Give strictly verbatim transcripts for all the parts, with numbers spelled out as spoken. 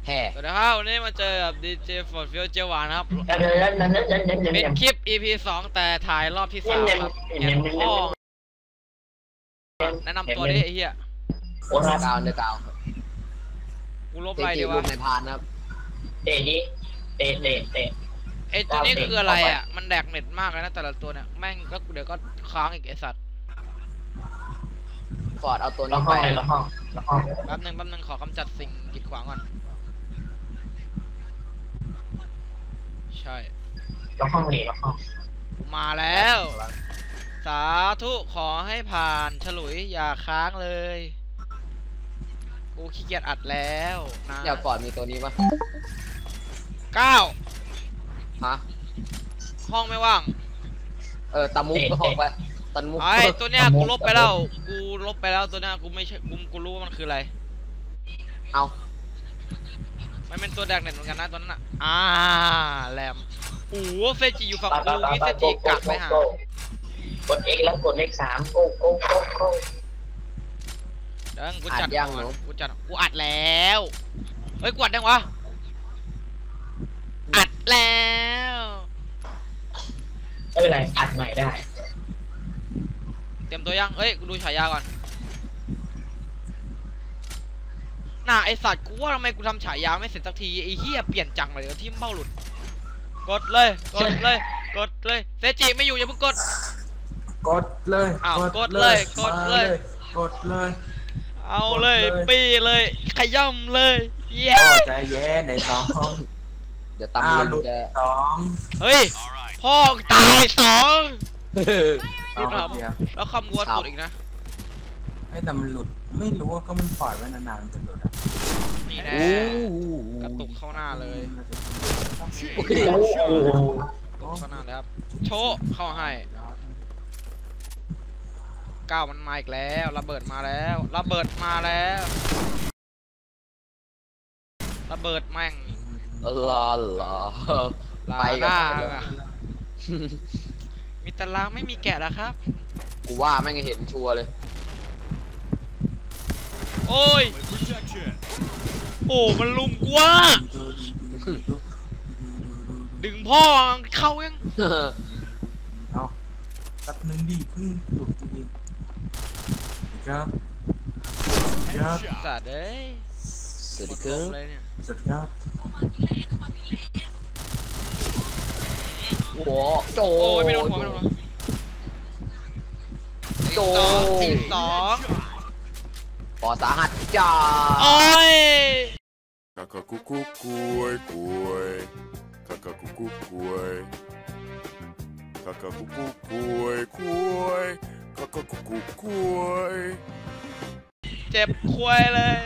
แห่สวัสดีครับวันนี้มาเจอกับดีเจฟอร์ดฟิลเจหวานครับเป็นคลิป อี พี สองแต่ถ่ายรอบที่สามครับเห็นพ่อแนะนำตัวดิไอ้เหี้ยกาวเนื้อกาวกูลบอะไรดีวะในพานครับเตะดิเตะเตะเตะไอ้ตัวนี้คืออะไรอ่ะมันแดกเน็ตมากเลยนะแต่ละตัวเนี่ยแม่งก็เดี๋ยวก็ค้างอีกไอ้สัตว์ฟอร์ดเอาตัวนี้ไปแป๊บนึงแป๊บนึงขอกำจัดสิ่งกีดขวางก่อนใช่ล็อกห้องเลยล็อกห้องมาแล้วสาธุขอให้ผ่านฉลุยอย่าค้างเลยกูขี้เกียจอัดแล้วนะเดี๋ยวฟอร์ดมีตัวนี้ปะเก้าฮะห้องไม่ว่างเออตามุกก็ห้องไปตามุกไอ้ตัวเนี้ยกูลบไปแล้วกูลบไปแล้วตัวเนี้ยกูไม่ใช่กูกูรู้ว่ามันคืออะไรเอามันเป็นตัวแดกเน็ตเหมือนกันนะตัวนั้นอ่ะอ่าแรมโอ้โหเฟจิอยู่ฝั่งกูนี่เฟจิกัดไปหากด X แล้วกดเลขสามโก้โก้โก้โก้เดี๋ยวกูจัดยังกูจัดกูอัดแล้วเฮ้ยกวดยังวะอัดแล้วไม่เป็นไรอัดใหม่ได้เตรียมตัวยังเอ้ยกูดูฉายาก่อนน่าไอสัตว์กูว่าทำไมกูทำฉายาไม่เสร็จสักทีไอเหี้ยเปลี่ยนจังเลยที่เบ้าหลุดกดเลยกดเลยกดเลยเซจิไม่อยู่อย่าเพิ่งกดกดเลยอ้าวกดเลยกดเลยกดเลยเอาเลยปีเลยขย่ำเลยเย้ใจเย็นในสองเดี๋ยวตำลุดสองเฮ้ยพ่อตายสองแล้วคำวัวสุดอีกนะไอ้แต่มันหลุดไม่รู้ว่าก็มันปล่อยไว้นานๆจะหลุดนี่แน่กระตุกเข้าหน้าเลยเข้าหน้าเลยครับโชว์เข้าให้ก้าวมันมาอีกแล้วระเบิดมาแล้วระเบิดมาแล้วระเบิดแม่งลาลาไปกันมีตารางไม่มีแกะแล้วครับกูว่าแม่งเห็นชัวร์เลยโอ้ยโอ้มันลุมกว่าดึงพ่อเข้ายังเอาตัดหนึ่งดีพึ่งหลุดจริงครับครับสัตว์เอ้ยสุดเกินสุดครับโอ้โจไม่โดนหัวไม่โดนหัวโจสี่สองปอสาหัสจ้าโอ้ยกะกะกุกุกุยกุยกะกะกุกุกุยกะกะกุกุกุยกุยกะกะกุกุกุยเจ็บควยเลย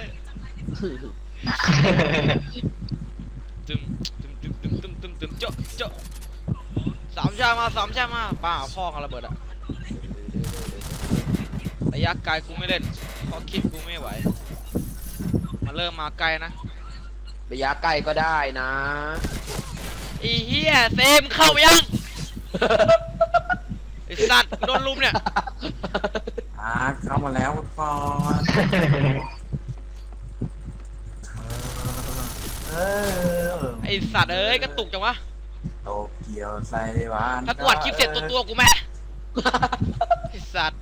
ตึมตึมตึมตึมตึมตึมตึมเจาะเจาะสามชามาสามชามาป้าพ่อกันระเบิดอะระยะไกลกูไม่เล่นเพราะคลิปกูไม่ไหวมาเริ่มมาไกลนะระยะใกล้ก็ได้นะอีเหี้ยเซมเข้ายังไอสัตว์โดนลุมเนี่ยอ่าเข้ามาแล้วฟอนไอสัตว์เอ้ยกระตุกจังวะโตเกียวไซวานถ้ากวาดคลิปเสร็จตัวตัวกูไหมไอสัตว์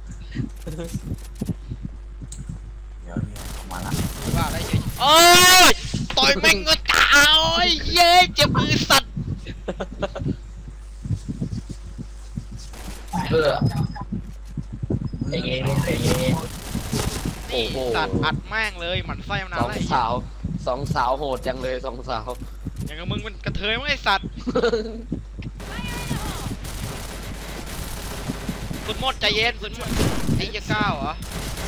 เดี๋ยวเนี่ยมาละว่าได้เฉยโอ้ยต่อยแม่งก็ตายเย้เจ็บมือสัตว์เออใจเย็นใจเย็นโอ้โหสัตว์อัดแม่งเลยหมันไส้มานานแล้วสองสาวสองสาวโหดจังเลยสองสาวอย่างกับมึงมันกระเทยมั้งไอสัตว์สุดหมดใจเย็นสุดหมดไอ้จะก้าวเหรอ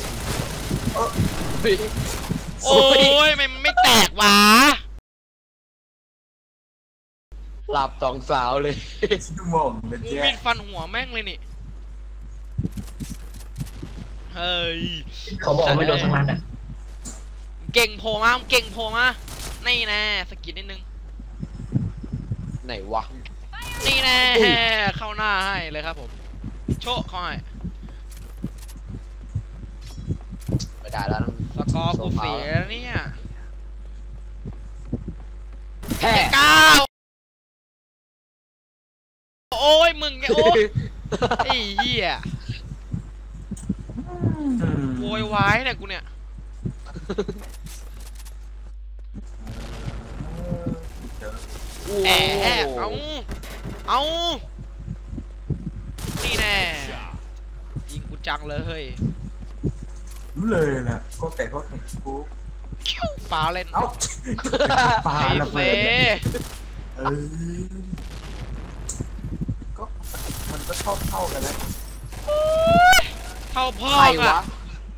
โอ้ยมันไม่แตกวะหลับสองสาวเลยชั่วโมงเลยกูมีดฟันหัวแม่งเลยนี่เฮ้ยเขาบอกไม่โดนทั้งนั้นอ่ะเก่งโผล่มาเก่งโผล่มานี่แน่สกิดนิดนึงไหนวะนี่แน่เข้าหน้าให้เลยครับผมโชว์เขาให้ไม่ได้แล้วสกอร์กูเสียเนี่ยแพ้ก้าวโอ้ยมึงไงโอ้ยไอ้เหี้ยโวยวายเนี่ยกูเนี่ยแอบเอาเอานี่แน่ยิงกูจังเลยเฮ้ยรู้เลยนะก็แต่ก็แข่งกูคิ้วปลาเล่นเอ้าปลาไอ้ระเฟเบิดเออก็มันก็เท่าเท่ากันแล้วเท่าพ่อใครอะวะ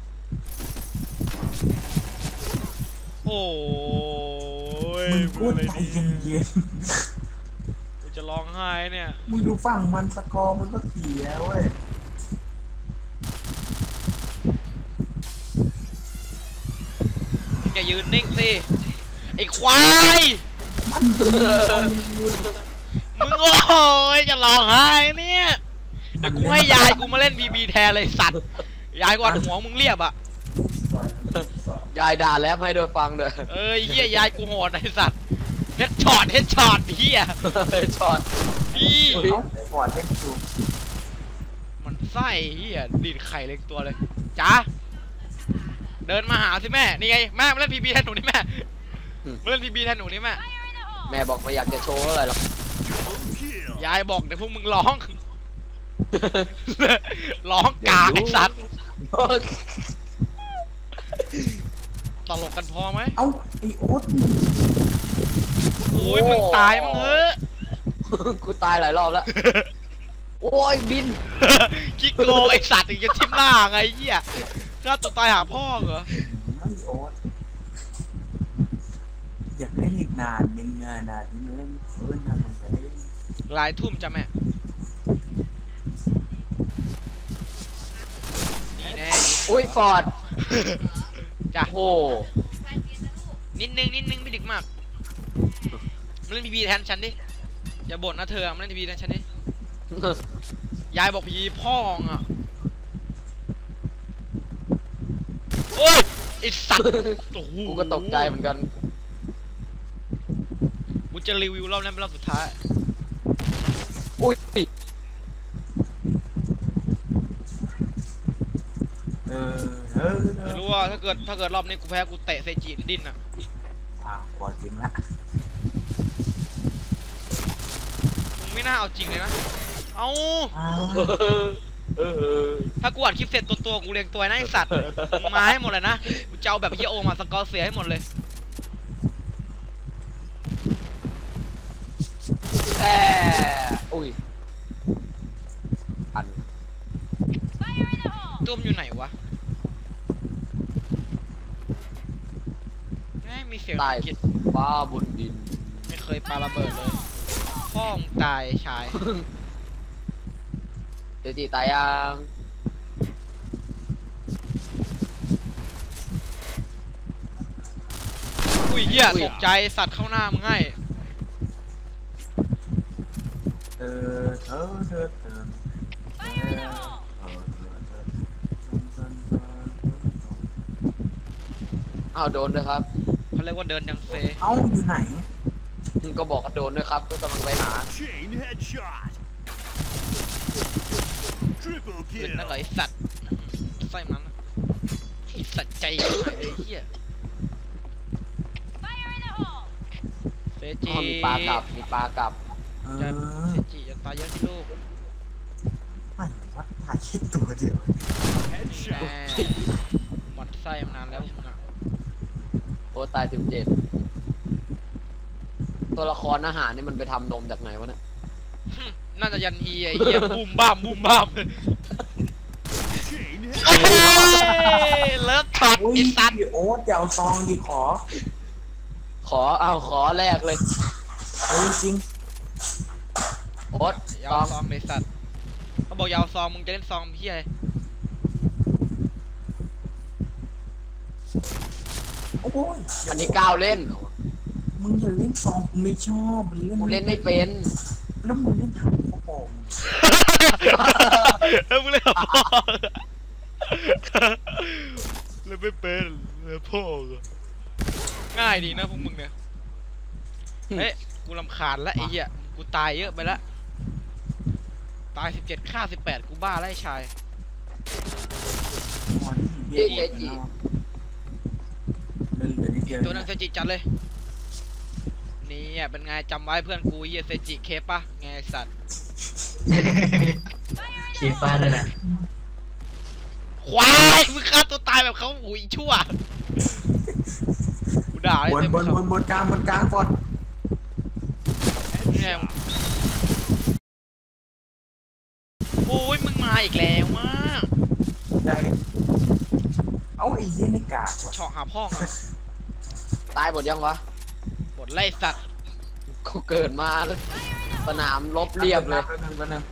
โอ้ยมึงพูดใจเย็นกูจะร้องไห้เนี่ยๆมึงดูฝั่งมันสกอร์มันก็เสียเว้ยอย่ายืนนิ่งสิไอ้ควายมันเป็นมึงโอ้ยจะร้องไห้เนี่ยเดี๋ยวกูให้ยายกูมาเล่นบีบีแทนเลยสัตว์ยายกวาดหัวมึงเรียบอ่ะยายด่าแล้วให้โดยฟังเลยเอ้ยเฮียยายกูโหดไอ้สัตว์เฮ็ดช็อตเฮ็ดช็อตเฮียช็อตพี่เอ้าก่อนเล่นจูมันไส้เฮียดีดไข่เล็กตัวเลยจ้าเดินมาหาสิแม่นี่ไงแม่มาเล่นบีบีแทนหนูนี่แม่มาเล่นบีบีแทนหนูนี่แม่แม่บอกไม่อยากจะโชว์อะไรหรอกยายบอกเดี๋ยวพวกมึงร้อง ร้องกากไอ้สัตว์ตลกกันพอไหมเอ้าไอโอ๊ตโอ้ยมึงตายมึงเฮ้ยกูตายหลายรอบแล้ว โอ้ยบินคิกโกไอสัตว์อีกจะทิ่มหน้าไงเหี้ยฆ่าตัวตายหาพ่อเหรอไอโอ๊ตอยากเล่นอีกนานยังไงนานที่เล่นเฟิร์นนานมันไปเล่นหลายทุ่มจ้ะแม่นี่แน่อุ้ยฟอร์ดจ้ะโอ้นิดนึงนิดนึงไม่ดึกมากมาเล่นบีบีแทนฉันดิอย่าบ่นนะเธอมาเล่นบีบีแทนฉันดิยายบอกพีพ่องอ่ะโอ้ยไอสัตว์โอ้โหกูก็ตกใจเหมือนกันกูจะรีวิวรอบนั้นเป็นรอบสุดท้ายอุ้ยเออเออเอไม่อรู้ว่าถ้าเกิดถ้าเกิดรอบนี้กูแพ้กูเตะเซจิดิ้นอ่ะอ่ะก่อนจริงละมึงไม่น่าเอาจริงเลยนะเอาอ้าวเออถ้ากูอัดคลิปเสร็จตัวตัวกูเรียงตัวนะไอสัตว์มึงมาให้หมดเลยนะกูจะเอาแบบเฮียโอมาสกอร์เสียให้หมดเลยแอ่อุ้ยอันตุ้มอยู่ไหนวะแม่งมีเสียงใต้กิดฟ้าบนดินไม่เคยปาระเบิดเลยพ่อมึงตายชายเดี๋ยวจีตายยังอุ้ยเหี้ยตกใจสัตว์เข้าหน้ามึงให้เออเออเออเออเอออ้าวโดนด้วยครับเขาเรียกว่าเดินยังเซเอ้าอยู่ไหนก็บอกว่าโดนด้วยครับก็กำลังไปหา Chain headshot. Triple เป็น kill. นั่นเหรอไอสัตว์ไส้มันนะไอสัตว์ใจหายเลยไอ้เหี้ยเซอ๋จิอมีปลากลับมีปลากลับเอจะอเซจิจะตายเยอะที่ลูกไม่วัดถ่ายแค่ตัวเดียวแน่ Headshot. หมดไส้มานานแล้วมึงอะโอ้ตายสิบเจ็ดตัวละครอาหารนี่มันไปทำนมจากไหนวะเนี่ยน่าจะยันฮีไอ้เหี้ยบูมบ้ามบูมบ้าม Chain โอ้ headshot. ยเลิฟช็อตโอ้ยไอ้สัตว์โอ๊ตอย่าเอาซองดิขอขอเอาขอแรกเลยเออจริงโอ๊ตยาซวองซองไอ้สัตว์เขาบอกยาวซองมึงจะเล่นซองพี่อะไรโอ้ยอันนี้ก้าวเล่นมึงอย่าเล่นซองกูไม่ชอบมึงเล่นกูเล่นไม่เป็นแล้วมึงเล่นทำโอ้โหเฮ้ยมึงเล่นกับพ่อเล่นไม่เป็นเล่นพ่อเหรอง่ายดีนะพวกมึงเนี่ยเฮ้ยกูรำคาญละไอ้เหี้ยกูตายเยอะไปละตายสิบเจ็ดฆ่าสิบแปดกูบ้าแล้วไอ้ชายอ๋อนี่เบี้ยหมดแล้วเดินเหลือนิดเดียวตัวนั้นเซจิจัดเลยนี่อ่ะเป็นไงจำไว้เพื่อนกูเหี้ยเซจิเคปปะไงไอ้สัตว์ชีฟ้าด้วยนะควายมึงฆ่าตัวตายแบบเขาหุยชั่วกูด่าเลยบนเต็มบนเขาบนบนกลางบนกลางฟอดเนี่ยโอ้ยมึงมาอีกแล้วมากได้เอาไอ้เหี้ยนี่กากว่ะเฉาะหาพ่องอ่ะตายหมดยังวะบทไล่สัตว์กูเกิดมาสนามลบเรียบเลยแป๊บนึงแป๊บนึง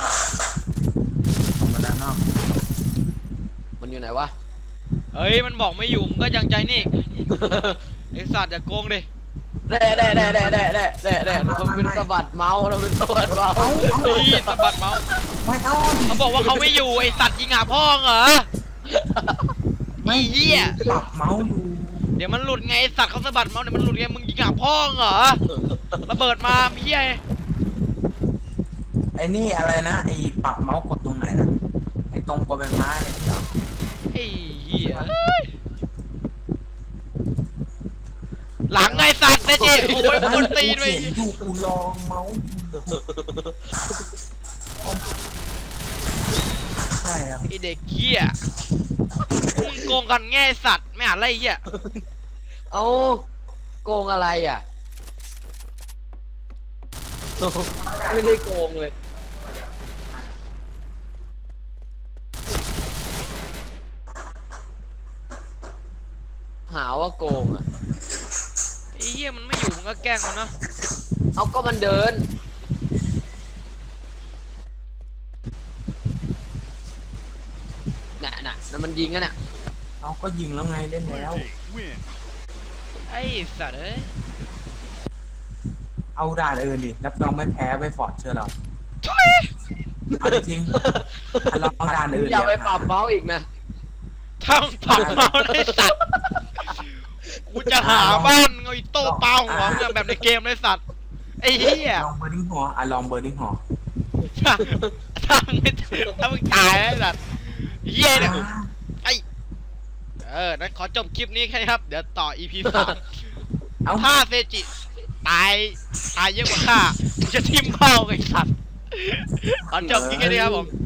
มาด้านนอกมันอยู่ไหนวะเฮ้ยมันบอกไม่อยู่มึงก็ยังใจนี่ไอสัตว์อย่าโกงดิแด่แด่แด่แด่แด่แด่แด่แด่มันเป็นสะบัดเมาส์เราเป็นสะบัดเมาส์นี่สะบัดเมาส์ไม่เอาเขาบอกว่าเขาไม่อยู่ไอสัตว์ยิงหาพ่องเหรอไอ้เหี้ยปรับเมาส์อยู่เดี๋ยวมันหลุดไงไอ้สัตว์เขาสะบัดเมาส์เดี๋ยวมันหลุดไงมึงยิงหาพ่องเหรอระเบิดมาเหี้ยไอ้นี่อะไรนะไอ้ปรับเมาส์กดตรงไหนนะไอ้ตรงกดใบไม้เนี่ยเหรอไอ้เหี้ยหลังไงสัตว์เซจิโอ้ยบนตีนไปกูเขียนอยู่กูลองเมาส์อยู่ใช่ครับไอเด็กเหี้ยมึงโกงกันแง่สัตว์ไม่อ่านไรเหี้ยเอ้าโกงอะไรอ่ะไม่ได้โกงเลยหาว่าโกงอ่ะไอ้เหี้ยมันไม่อยู่มึงก็แกล้งมันเนาะเอาก็มันเดินน่ะน่ะนั่นมันยิงกันน่ะเอาก็ยิงแล้วไงเล่นแล้วไอ้สัตว์เอ้ยเอาด่านอื่นดิรับรองไม่แพ้ไปฟอร์ดเชื่อเราช่วยเอาจริงๆถ้าลองด่านอื่นอย่าไปเดี๋ยวปรับเมาส์อีกนะทำผักเมาไอ้สัตว์กูจะหาบ้านเอาอีโต้เปล่าหัวมึงแบบในเกมเลยสัตว์ไอ้เหี้ยลองเบอร์ดิ้งหัวอ่ะลองเบอร์ดิ้งหัวถ้าถ้ามึงไม่ถ้ามึงตายไอ้สัตว์เหี้ยเนี่ยไอ้เออนั้นขอจบคลิปนี้แค่นี้ครับ เดี๋ยวต่อ อี พี สามเอาถ้าเซจิตายตายเยอะกว่าข้ากูจะทิ่มเข้าไอ้สัตว์ขอจบคลิปแค่นี้ครับผม